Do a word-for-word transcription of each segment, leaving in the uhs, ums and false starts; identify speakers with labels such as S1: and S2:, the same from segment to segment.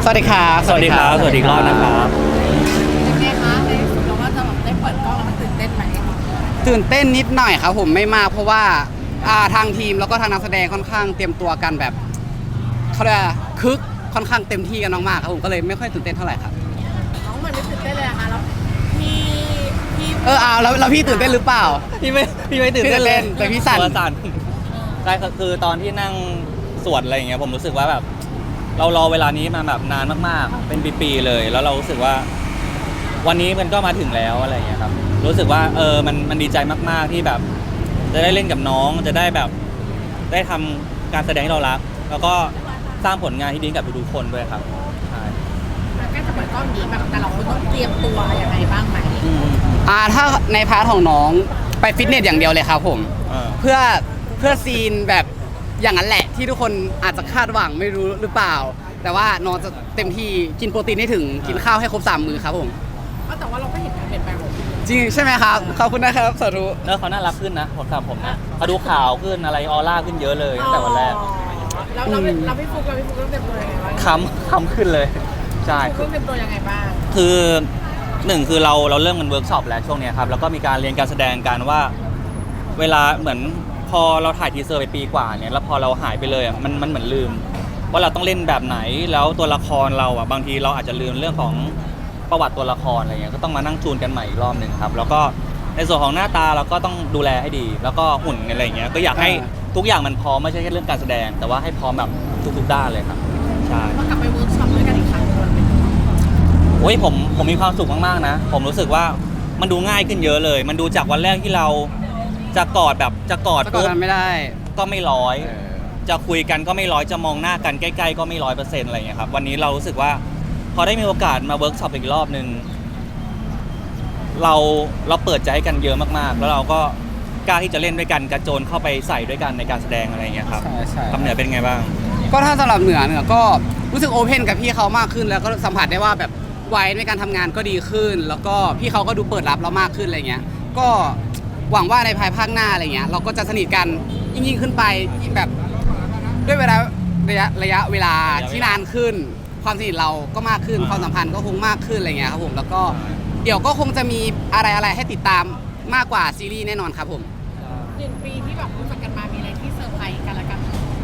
S1: สวัสดีครับ
S2: สวัสดีครับสวัสดีรอบนะครับ
S3: เป็นไงคะในสุดเราว่าจะแบบได้เปิดกล้องแล้วมันตื่นเต้นไหม
S1: ตื่นเต้นนิดหน่อยครับผมไม่มากเพราะว่าอ่าทางทีมแล้วก็ทางนักแสดงค่อนข้างเตรียมตัวกันแบบเขาเรียกว่าคึกค่อนข้างเต็มที่กันมากๆครับผมก็เลยไม่ค่อยตื่นเต้นเท่าไหร่ครับ
S3: น้องเหมือนไม่ตื่นเต้นเลยอะค่ะแล้วพี่พี่
S1: เออเอาแล้วแล้วพี่ตื่นเต้นหรือเปล่า
S2: พี่ไม่พี่ไม่ตื่นเต้นเลย
S1: แต่พี่สั่น
S2: ตัวสั่นใช่คือตอนที่นั่งสวดอะไรอย่างเงี้ยผมรู้สึกว่าแบบเรารอเวลานี้มาแบบนานมากๆเป็นปีๆเลย แล้วเรารู้สึกว่าวันนี้มันก็มาถึงแล้วอะไรอย่างเงี้ยครับรู้สึกว่าเออมันมันดีใจมากๆที่แบบ จะได้เล่นกับน้องจะได้แบบได้ทำการแสดงที่เรารักแล้วก็สร้างผลงานที่ดีกับทุกๆคนด้วยครับใช่
S3: แล้วก็จะเปิดกล้องนี้แบบแต่เราต้องเตรียมตัวยังไงบ้างไหม
S1: อ่าถ้าในพาร์ทของน้องไปฟิตเนสอย่างเดียวเลยครับผมเพื่อเพื่อซีนแบบอย่างนั้นแหละที่ทุกคนอาจจะคาดหวังไม่รู้หรือเปล่า แต่ว่าน้องจะเต็มที่กินโปรตีนให้ถึงกินข้าวให้ครบสามมื้อครับผม
S3: แต่ว่าเราก็เห็นการเปลี่ยนแปลงของพี่
S1: จริงใช่ไหมครับขอบคุณนะครับสาธุ
S2: เนอะเขาน่ารักขึ้นนะผมกับผมนะเขาดูขาวขึ้นอะไรออร่าขึ้นเยอะเลยตั้งแต่วันแรก
S3: แล้วเราเราพี่ฟุกเราพี่ฟุกต้องเตรียมตัวยังไงบ้าง
S2: คำคำขึ้นเลยใช่
S3: ต้องเตรียมตัวยังไงบ้าง
S2: คือหนึ่งคือเราเราเริ่มกันเวิร์กช็อปแล้วช่วงนี้ครับแล้วก็มีการเรียนการแสดงกันว่าเวลาเหมือนพอเราถ่ายทีเซอร์ไปปีกว่าเนี่ยแล้วพอเราหายไปเลยอ่ะมันมันเหมือนลืมว่าเราต้องเล่นแบบไหนแล้วตัวละครเราอ่ะบางทีเราอาจจะลืมเรื่องของประวัติตัวละครอะไรเงี้ยก็ต้องมานั่งจูนกันใหม่อีกรอบหนึ่งครับแล้วก็ในส่วนของหน้าตาเราก็ต้องดูแลให้ดี แล้วก็หุ่นอะไรเงี้ยก็อยากให้ทุกอย่างมันพร้อมไม่ใช่แค่เรื่องการแสดงแต่ว่าให้พร้อมแบบทุกๆด้านเลยครับใช่
S3: กลับไปเวิร์กช็อปด้วยกันอีกครั้ง
S2: โอ้ยผมผมมีความสุขมากๆนะผมรู้สึกว่ามันดูง่ายขึ้นเยอะเลย มันดูจากวันแรกที่เราจะกอดแบบจะกอด
S1: ปุ๊บไม่ได้
S2: ก็ไม่ร้อยจะคุยกันก็ไม่ร้อยจะมองหน้ากันใกล้ๆก็ไม่ร้อยเปอร์เซ็นต์อะไรอย่างเงี้ยครับวันนี้เรารู้สึกว่าพอได้มีโอกาสมาเวิร์กช็อปอีกรอบนึงเราเราเปิดใจให้กันเยอะมากๆแล้วเราก็กล้าที่จะเล่นด้วยกันกระโจนเข้าไปใส่ด้วยกันในการแสดงอะไรอย่างเงี้ยครับคำเหนือเป็นไงบ้าง
S1: ก็ถ้าสำหรับเหนือเหนือก็รู้สึกโอเพนกับพี่เขามากขึ้นแล้วก็สัมผัสได้ว่าแบบวัยในการทำงานก็ดีขึ้นแล้วก็พี่เขาก็ดูเปิดรับเรามากขึ้นอะไรเงี้ยก็หวังว่าในภายภาคหน้าอะไรเงี้ยเราก็จะสนิทกันยิ่งๆขึ้นไปแบบด้วยเวลาระยะระยะเวลาที่นานขึ้นความสนิทเราก็มากขึ้นความสัมพันธ์ก็คงมากขึ้นอะไรเงี้ยครับผมแล้วก็เดี๋ยวก็คงจะมีอะไรอะไรให้ติดตามมากกว่าซีรีส์แน่นอนครับผม
S3: หนึ่งปีที่แบบรู้จักกันมามีอะไรที่เซอร์ไพรส์กันละกัน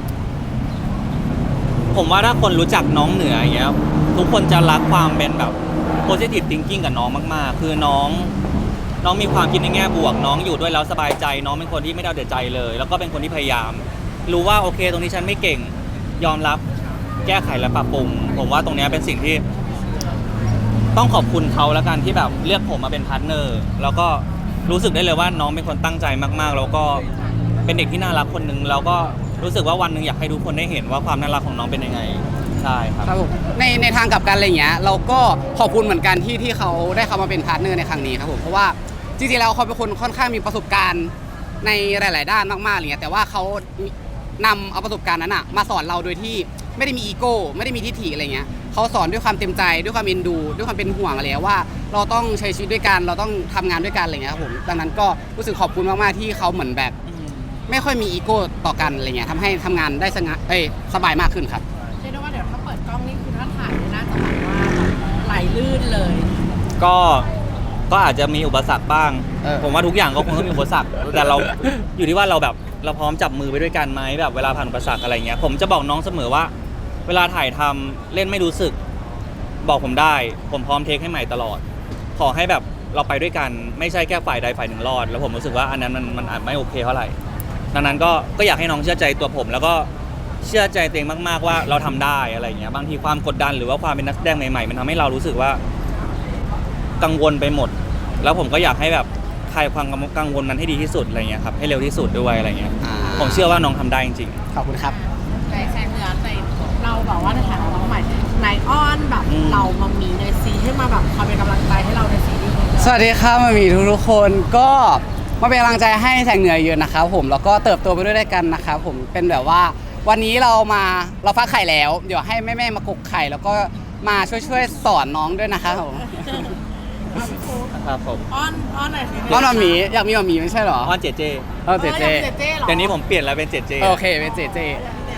S2: ผมว่าถ้าคนรู้จักน้องเหนืออย่างเงี้ยทุกคนจะรักความเป็นแบบ positive thinking กับน้องมากๆคือน้องน้องมีความคิดในแง่บวกน้องอยู่ด้วยแล้วสบายใจน้องเป็นคนที่ไม่ได้เอาแต่ใจเลยแล้วก็เป็นคนที่พยายามรู้ว่าโอเคตรงนี้ฉันไม่เก่งยอมรับแก้ไขและปรับปรุงผมว่าตรงนี้เป็นสิ่งที่ต้องขอบคุณเขาแล้วกันที่แบบเลือกผมมาเป็นพาร์ทเนอร์แล้วก็รู้สึกได้เลยว่าน้องเป็นคนตั้งใจมากๆแล้วก็เป็นเด็กที่น่ารักคนนึงแล้วก็รู้สึกว่าวันนึงอยากให้ทุกคนได้เห็นว่าความน่ารักของน้องเป็นยังไงใช่ครับ
S1: ครับผมในในทางกลับกันอะไรเงี้ยเราก็ขอบคุณเหมือนกันที่ที่เขาได้เข้ามาเป็นพาร์ทเนอร์ในครั้งนี้ครับผมเพราะว่าจริงๆแล้วเขาเป็นคนค่อนข้างมีประสบการณ์ในหลายๆด้านมากๆอะไรเงี้ยแต่ว่าเขานำเอาประสบการณ์นั้นอะมาสอนเราโดยที่ไม่ได้มีอีโก้ไม่ได้มีทิฐิอะไรเงี้ยเขาสอนด้วยความเต็มใจด้วยความเอ็นดูด้วยความเป็นห่วงอะไรว่าเราต้องใช้ชีวิตด้วยกันเราต้องทำงานด้วยกันอะไรเงี้ยครับผมดังนั้นก็รู้สึกขอบคุณมากๆที่เขาเหมือนแบบไม่ค่อยมีอีโก้ต่อกันอะไรเงี้ยทำให้ทำงานได้สงบเอ้ยสบายมากขึ้นครับ
S3: เรียกได้ว่าเดี๋ยวถ้าเปิดกล้องนี่คือถ้าถ่ายน่าจะแบบว่าไหลลื่นเลย
S2: ก็ก็อาจจะมีอุปสรรคบ้างผมว่าทุกอย่างก็คงต้องมีอุปสรรคแต่เราอยู่ที่ว่าเราแบบเราพร้อมจับมือไปด้วยกันไหมแบบเวลาผ่านอุปสรรคอะไรเงี้ยผมจะบอกน้องเสมอว่าเวลาถ่ายทำเล่นไม่รู้สึกบอกผมได้ผมพร้อมเทคให้ใหม่ตลอดขอให้แบบเราไปด้วยกันไม่ใช่แค่ฝ่ายใดฝ่ายหนึ่งรอดแล้วผมรู้สึกว่าอันนั้นมันมันอาจไม่โอเคเท่าไหร่ดังนั้นก็ก็อยากให้น้องเชื่อใจตัวผมแล้วก็เชื่อใจตัวเองมากๆว่าเราทำได้อะไรเงี้ยบางทีความกดดันหรือว่าความเป็นนักแสดงใหม่ๆมันทำให้เรารู้สึกว่ากังวลไปหมดแล้วผมก็อยากให้แบบคลายความกังวลนั้นให้ดีที่สุดอะไรเงี้ยครับให้เร็วที่สุดด้วยอะไรเงี้ยผมเชื่อว่าน้องทำได้จริง
S1: ๆขอบคุณครับ
S3: ในแสงเหนือในเราแบบว่าในฐานะน้องใหม่นายอ้อนแบบเรามามีในซีให้มาแบบคอยเป็นกำลังใจให้เราในซีรีส์
S1: สวัสดีครับมามีทุกๆคนก็มาเป็นกำลังใจให้แสงเหนือเยอะนะครับผมแล้วก็เติบโตไปด้วยกันนะครับผมเป็นแบบว่าวันนี้เรามาเราฟักไข่แล้วเดี๋ยวให้แม่ๆมากกไข่แล้วก็มาช่วยๆสอนน้องด้วยนะครับผม
S2: ครับผม
S3: อ้อนอ้อนหน่อยสิ
S1: อ้อนมามีอยากมีมามีไม่ใช่หรอ
S2: อ้อนเจเจ
S1: เออเจเจ
S2: เดี๋ยวนี้ผมเปลี่ยนแล้วเป็นเจเจ
S1: โอเคเป็นเจเจ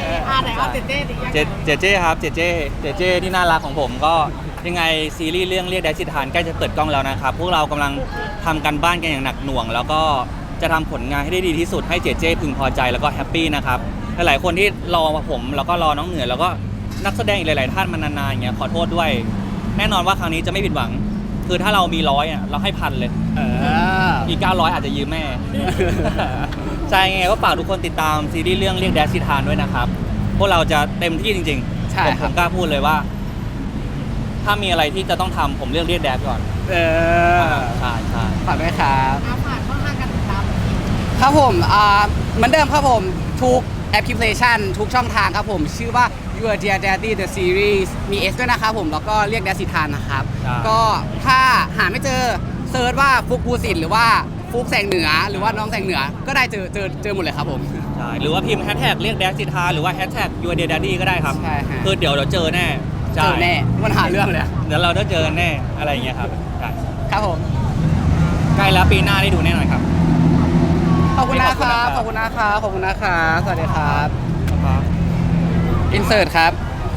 S3: อ่าไหนเอาเจเจดิ
S2: เจเจเจครับเจเจเจเจที่น่ารักของผมก็ยังไงซีรีส์เรื่องเรียกแดชสิทานใกล้จะเปิดกล้องแล้วนะครับพวกเรากำลังทำกันบ้านกันอย่างหนักหน่วง แล้วก็จะทำผลงานให้ได้ดีที่สุดให้เจเจพึงพอใจแล้วก็แฮปปี้นะครับหลายๆคนที่รอผมแล้วก็รอน้องเหนือแล้วก็นักแสดงอีกหลายๆท่านมานานๆอย่างเงี้ยขอโทษด้วย แน่นอนว่าครั้งนี้จะไม่ผิดหวัง คือถ้าเรามีร้อยอ่ะเราให้พันเลย
S1: เออ
S2: อีกเก้าร้อยอาจจะยืมแม่ ใช่ไงก็ฝากทุกคนติดตามซีรีส์เรื่องเรียกแดชสิทานด้วยนะครับพวกเราจะเต็มที่จริงๆ
S1: ใช่
S2: ผม
S1: ค
S2: ผ
S1: รับ
S2: มกล้าพูดเลยว่า ถ้ามีอะไรที่จะต้องทำผมเลือกเรียกแดชก่อน
S1: เออ
S2: ใช่ใช่
S1: ฝากด้วยครับ
S3: อาฝากช่องทางการติดตาม
S1: ครับผมอ่าเหมือนเดิมครับผมทุกแอปพลิเคชันทุกช่องทางครับผม ชื่อว่า Your Dear Daddy The Series มี S ด้วยนะครับผมแล้วก็เรียกแดสิทานนะครับ ก็ถ้าหาไม่เจอเซิร์ชว่าฟุกภูสิทธิ์หรือว่าฟุกแสงเหนือ หรือว่าน้องแสงเหนือ ก็ได้เจอเจอเจอหมดเลยครับผม
S2: ใช่หรือว่าพิมพ์แฮชแท็กเรียกแดชสิทานหรือว่าแฮชแท็กยูเดียดดี้ก็ได้ครับ
S1: ใช่ฮะ
S2: คือเดี๋ยวเราเจอแน่
S1: เจ
S2: ใช่
S1: อแน่มันหาเรื่องเลย
S2: เดี๋ยวเราได้เจอกันแน่อะไรอย่างเงี้ยครับใช่
S1: ครับผม
S2: ใกล้แล้วปีหน้าได้ดูแน่นอนครับ
S1: ขอบคุณนะค
S2: ขอบคุณ
S1: รั
S2: นะครับ บ
S1: ขอบคุณนะครับขอบคุณนะครับสวัสดีครับ
S2: ครับ
S1: อินเสิร์ตครับ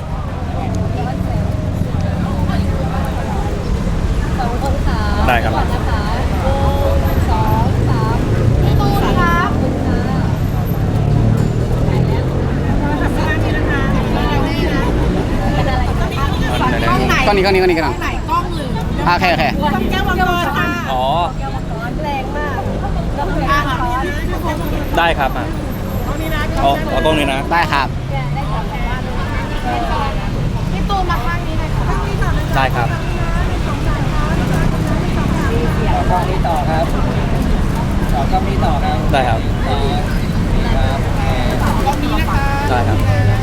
S4: สองคนค่ะ
S2: ได้ครับ
S4: ก่อนนะคะหนึ่งสองสามพี่ตูนครับ
S3: กล้องไหน
S1: ก้อนนี้ก้อนนี้ก้อนนี้กัน
S3: กล้องไหนกล้องหรือ
S1: โอเคโอเค
S3: กล้องแก้วมังกรค่ะ
S2: อ๋อ
S4: แรงมากแล้วคือ
S3: อ่า
S4: อา
S3: ข
S4: หา
S3: อ
S4: ร
S3: บคุณนะ
S2: ได้ครับอ่ะ
S3: กล้องนี้นะ
S2: เอาเอากล้องนี้นะ
S1: ได้ครับ
S4: ได้กลับบ้าน
S3: พี่ตูนมาข้างนี้หน่อยค่ะข้างนี้ต่อนะ
S2: ได้ครับ
S5: กล้องนี้ต่อครับต่อกล้องนี้ต่อครับ
S2: ได้ครับ
S5: ครับ
S3: กล้องนี้นะคะ
S2: ได้ครับ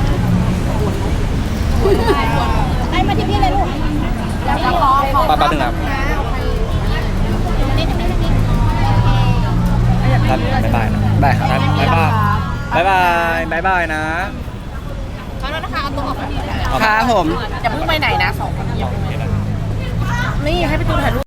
S4: ไอ้มาที่พี่เลยลูก
S3: แล้วก็ขอขอ
S2: แป๊บนึงครับ
S3: นะเอาไป
S4: นี่นี่นี่
S2: ครับบ๊ายบายนะ
S1: ได้ครับ
S2: ครับบ๊ายบายบ๊ายบายบ๊ายบายนะ
S3: ขอโทษนะคะเอาตัวออกมาดี
S1: ครับผม
S3: อย่าเพิ่งไปไหนนะสองคนนี้อย่าเพิ่งไปไหนนี่ให้พี่ตูนถ่ายรูป